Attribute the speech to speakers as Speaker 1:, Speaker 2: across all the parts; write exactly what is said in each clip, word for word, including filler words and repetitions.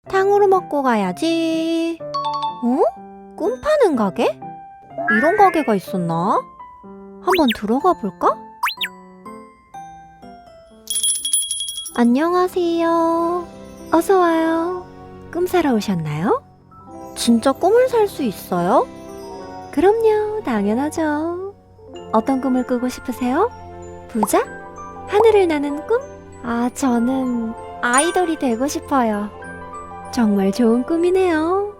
Speaker 1: 탕후루 먹고 가야지. 어? 꿈 파는 가게? 이런 가게가 있었나? 한번 들어가 볼까? 안녕하세요. 어서 와요. 꿈 사러 오셨나요? 진짜 꿈을 살 수 있어요? 그럼요, 당연하죠. 어떤 꿈을 꾸고 싶으세요? 부자? 하늘을 나는 꿈? 아, 저는 아이돌이 되고 싶어요. 정말 좋은 꿈이네요.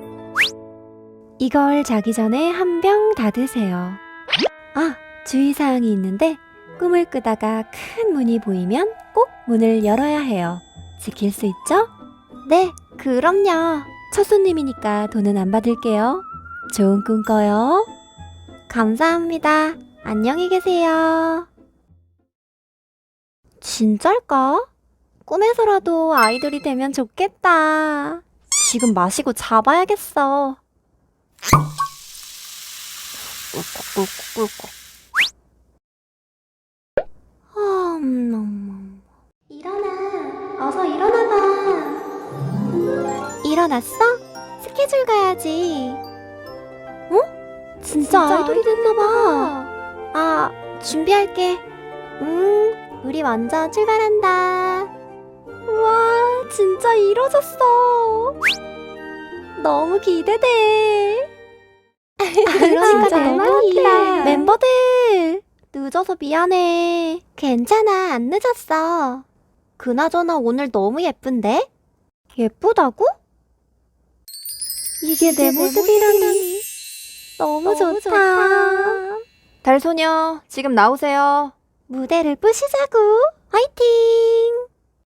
Speaker 1: 이걸 자기 전에 한 병 다 드세요. 아, 주의사항이 있는데 꿈을 꾸다가 큰 문이 보이면 꼭 문을 열어야 해요. 지킬 수 있죠? 네, 그럼요. 첫 손님이니까 돈은 안 받을게요. 좋은 꿈 꿔요. 감사합니다. 안녕히 계세요. 진짜일까? 꿈에서라도 아이돌이 되면 좋겠다. 지금 마시고 잡아야겠어. 꿀꺽꿀꺽꿀꺽. 음, 일어나. 어서 일어나봐. 일어났어? 스케줄 가야지. 어? 진짜, 진짜 아이돌이 됐나봐. 아, 준비할게. 응, 우리 먼저 출발한다. 우와, 진짜 이뤄졌어. 너무 기대돼. 그러니까 내 말이야. 멤버들, 늦어서 미안해. 괜찮아, 안 늦었어. 그나저나 오늘 너무 예쁜데? 예쁘다고? 이게 내 모습이라니. 너무, 너무 좋다. 좋다. 달소녀, 지금 나오세요. 무대를 부시자고. 화이팅!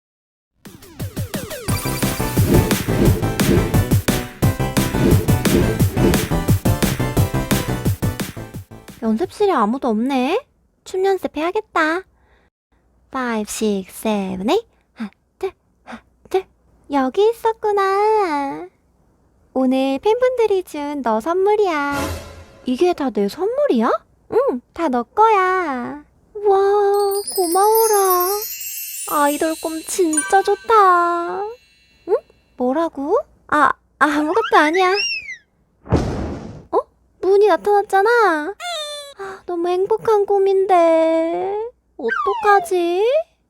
Speaker 1: 연습실에 아무도 없네. 춤 연습해야겠다. 오, 육, 칠, 팔. 하나, 둘, 하나, 둘. 여기 있었구나. 오늘 팬분들이 준 너 선물이야. 이게 다 내 선물이야? 응, 다 너 거야. 와, 고마워라. 아이돌 꿈 진짜 좋다. 응? 뭐라고? 아, 아무것도 아니야. 어? 문이 나타났잖아. 아, 너무 행복한 꿈인데 어떡하지?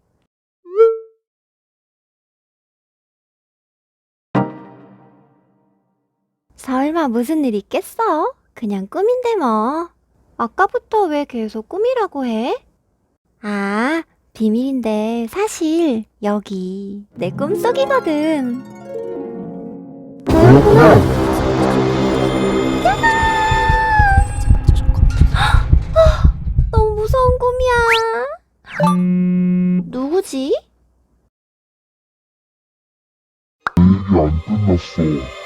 Speaker 1: 설마 무슨 일 있겠어? 그냥 꿈인데 뭐. 아까부터 왜 계속 꿈이라고 해? 아, 비밀인데 사실 여기 내 꿈속이거든. 뭐였구나. 너무 무서운 꿈이야. 누구지?
Speaker 2: 얘기 안 끝났어.